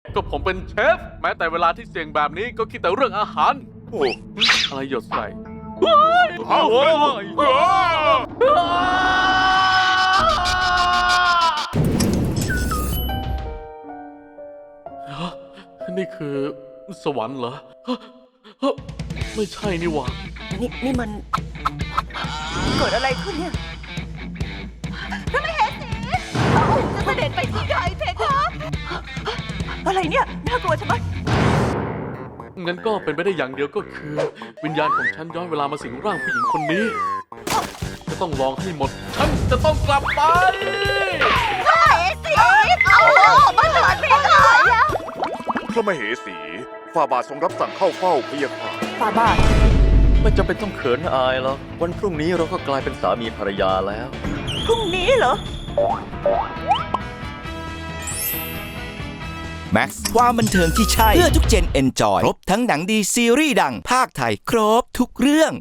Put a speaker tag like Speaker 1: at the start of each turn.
Speaker 1: ก็ผมเป็นเชฟแม้แต่เวลาที่เสี่ยงแบบนี้ก็คิดแต่เรื่องอาหาร
Speaker 2: โอ้
Speaker 1: อะไรหยดใส่
Speaker 2: เอาเฮ้ย
Speaker 1: นี่คือสวรรค์เหรอไม่ใช่นี่หว่า
Speaker 3: นี่มันเกิดอะไรขึ้นเนี่ยพระมเหสีจะเสด็จไปที่ใดเพคะอะไรเนี่ยน่ากลัวใช่ไหม
Speaker 1: งั้นก็เป็นไปได้อย่างเดียวก็คือ วิญญาณของฉันย้อนเวลามาสิงร่างผู้หญิงคนนี้ จะต้องลองให้หมด ฉันจะต้องกลับไป
Speaker 3: พระมเหสีเอามาเถิดเพคะ
Speaker 2: พระมเหสีฝ่าบาททรงรับสั่งเข้าเฝ้าพระยาค่ะ
Speaker 3: ฝ่าบาท
Speaker 4: ไม่จำเป็นต้องเขินอายหรอกวันพรุ่งนี้เราก็กลายเป็นสามีภรรยาแล้ว
Speaker 3: พรุ่งนี้เหรอ
Speaker 5: แม็กซ์ความบันเทิงที่ใช่ เพื่อทุกเจนเอนจอย ครบทั้งหนังดีซีรีส์ดังภาคไทย ครบทุกเรื่อง